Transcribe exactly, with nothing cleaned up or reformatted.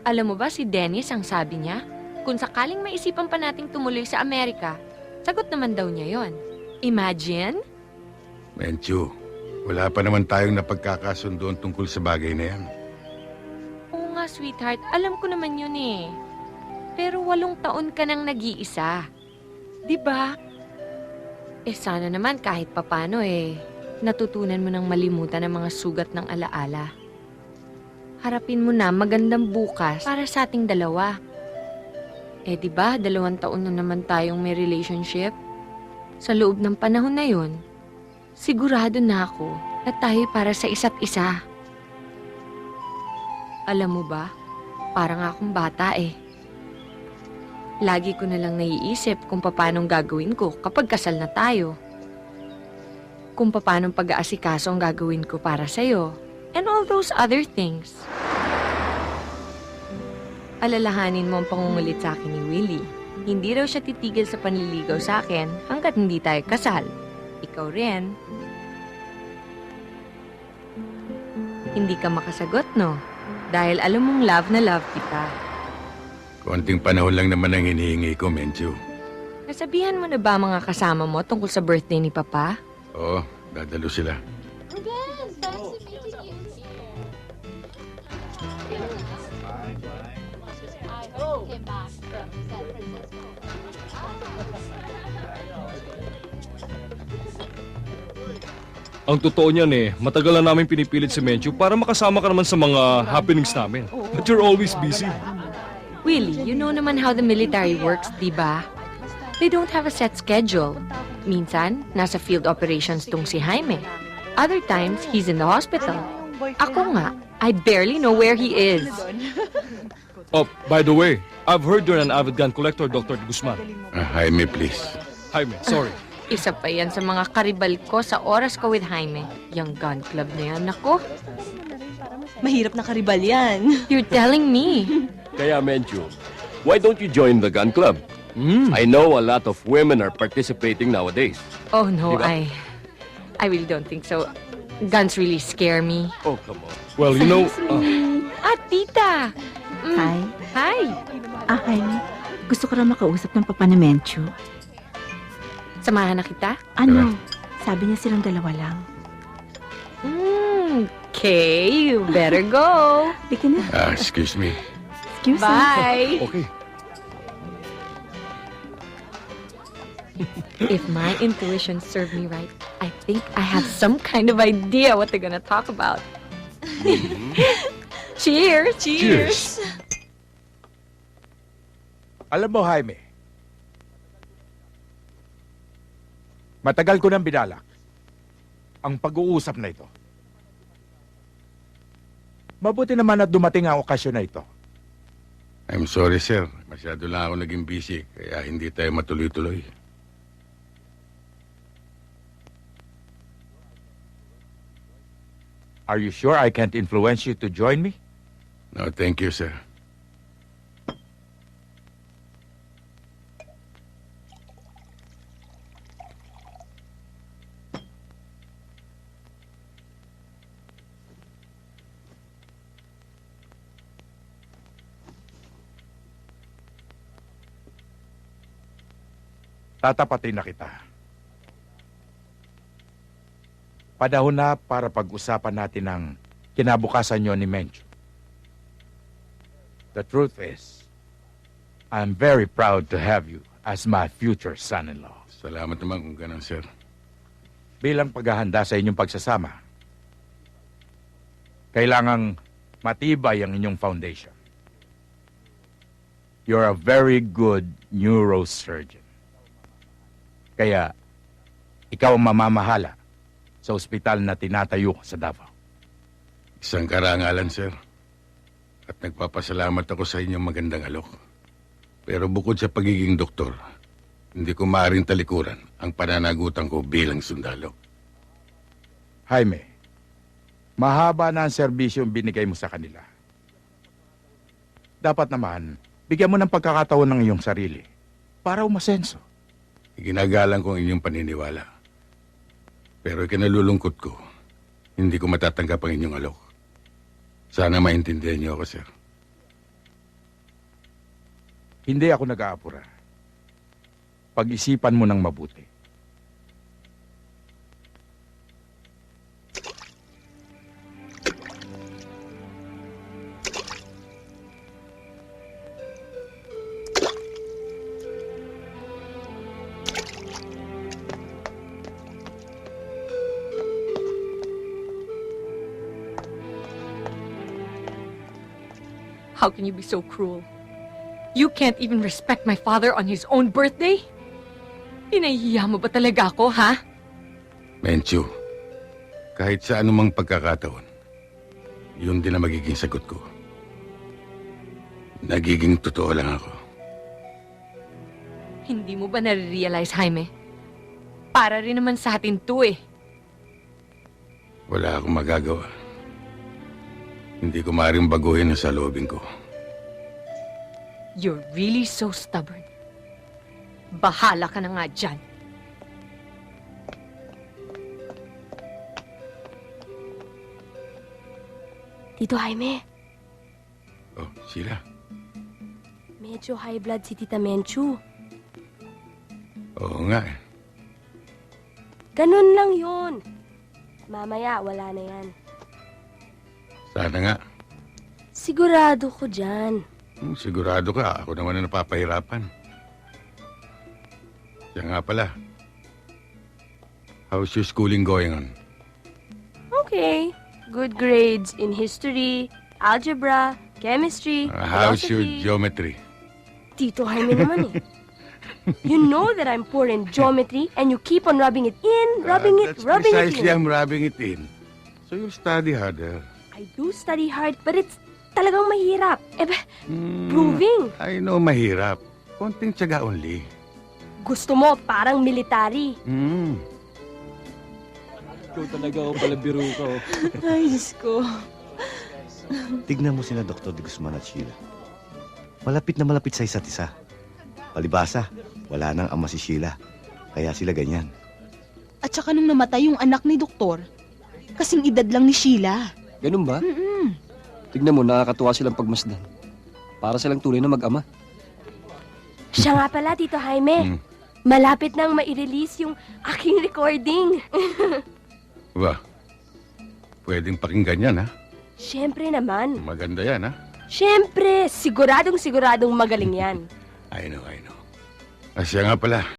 Alam mo ba si Dennis ang sabi niya? Kung sakaling maisipan pa nating tumuloy sa Amerika, sagot naman daw niya yon. Imagine? Menchu, wala pa naman tayong napagkakasundoan tungkol sa bagay na yan. Oo nga, sweetheart. Alam ko naman yun eh. Pero walong taon ka nang nag-iisa. Di ba? Eh sana naman kahit papano eh, natutunan mo nang malimutan ang mga sugat ng alaala. Harapin mo na magandang bukas para sa ating dalawa. Eh di ba, dalawang taon na naman tayong may relationship? Sa loob ng panahon na yun, sigurado na ako na tayo para sa isa't isa. Alam mo ba, parang akong bata eh. Lagi ko na lang naiisip kung paanong gagawin ko kapag kasal na tayo. Kung paanong pag-aasikaso ang gagawin ko para sa'yo. And all those other things. Alalahanin mo ang pangungulit sa akin ni Willie. Hindi raw siya titigil sa panliligaw sa akin hanggat hindi tayo kasal. Ikaw rin. Hindi ka makasagot, no? Dahil alam mong love na love kita. Konting panahon lang naman ang hinihingi ko, Menchu. Nasabihan mo na ba mga kasama mo tungkol sa birthday ni Papa? Oo, dadalo sila. Ang totoo niyan eh, matagal na namin pinipilit si Menchu para makasama ka naman sa mga happenings namin. But you're always busy. Willie, you know naman how the military works, di ba? They don't have a set schedule. Minsan, nasa field operations tong si Jaime. Other times, he's in the hospital. Ako nga, I barely know where he is. Oh, by the way, I've heard you're an avid gun collector, Doctor Guzman. Ah, Jaime, please. Jaime, sorry. Isa pa yan sa mga karibal ko sa oras ko with Jaime. Yung gun club na yan, ako. Mahirap na karibal yan. You're telling me. Kaya, Menchu, why don't you join the gun club? Mm. I know a lot of women are participating nowadays. Oh no, Diba? I... I really don't think so. Guns really scare me. Oh, come on. Well, you know, uh, Ah, tita! Mm. Hi. Hi! Ah, Jaime. Gusto ko raw makausap ng papa ni Menchu. Samahan na kita? Ano? Sabi niya silang dalawa lang. Mm, okay, you better go. Bigyan na. Ah, excuse me. Excuse me. Bye! okay. If my intuition served me right, I think I have some kind of idea what they're gonna talk about. Cheers! Cheers. Alam mo, Jaime, matagal ko nang binalak ang pag-uusap na ito. Mabuti naman at dumating ang okasyon na ito. I'm sorry, sir. Masyado lang ako naging busy, kaya hindi tayo matuloy-tuloy. Are you sure I can't influence you to join me? No, thank you, sir. Tatapatin na kita. Panahon na para pag-usapan natin ang kinabukasan nyo ni Menchu. The truth is, I'm very proud to have you as my future son-in-law. Salamat naman kung ganun, sir. Bilang paghahanda sa inyong pagsasama, kailangang matibay ang inyong foundation. You're a very good neurosurgeon. Kaya, ikaw ang mamamahala sa ospital na tinatayo sa Davao. Isang karangalan, sir. At nagpapasalamat ako sa inyong magandang alok. Pero bukod sa pagiging doktor, hindi ko maaaring talikuran ang pananagutan ko bilang sundalo. Jaime, mahaba na ang serbisyong binigay mo sa kanila. Dapat naman, bigyan mo ng pagkakataon ng iyong sarili para umasenso. Iginagalang ko ang inyong paniniwala. Pero ikinalulungkot ko, hindi ko matatanggap ang inyong alok. Sana maintindihan niyo ako, sir. Hindi ako nag-aapura. Pag-isipan mo ng mabuti. How can you be so cruel? You can't even respect my father on his own birthday? Pinahihiya mo ba talaga ako, ha? Menchu, kahit sa anumang pagkakataon, yun din ang magiging sagot ko. Nagiging totoo lang ako. Hindi mo ba nare-realize, Jaime? Para rin naman sa atin to eh. Wala akong magagawa. Hindi ko maaaring baguhin ang saloobin ko. You're really so stubborn. Bahala ka na nga dyan. Tito Jaime, Oh, Sheila. medyo high blood si Tita Menchu. Oo nga eh. Ganun lang yun. Mamaya, wala na yan. Sana nga. Sigurado ko dyan. Hmm, sigurado ka, ako naman ang napapahirapan. Siya nga pala. How's your schooling going on? Okay. Good grades in history, algebra, chemistry, Uh, how's your philosophy. geometry? Tito Jaime naman eh. You know that I'm poor in geometry and you keep on rubbing it in, rubbing Uh, it, that's rubbing it precisely in. I'm rubbing it in. So you study harder. I do study hard, but it's talagang mahirap. Eh, ba, Hmm, proving. I know, mahirap. Konting tiyaga only. Gusto mo parang military. Hmm. Ikaw talaga ako pala biro ka. oh. Ay, Diyos ko. Tignan mo sina Doktor de Guzman at Sheila. Malapit na malapit sa isa't isa. Palibasa, wala nang ama si Sheila. Kaya sila ganyan. At saka nung namatay yung anak ni Doktor, kasing edad lang ni Sheila. Ganun ba? Mm-mm. Tignan mo, nakakatuwa silang pagmasdan. Para silang tunay na mag-ama. Siya nga pala, Tito Jaime. Hmm. Malapit nang ma-release yung aking recording. Ba, pwedeng pakinggan yan, ha? Siyempre naman. Maganda yan, ha? Siyempre, siguradong siguradong magaling yan. I know, I know. Ah, siya nga pala.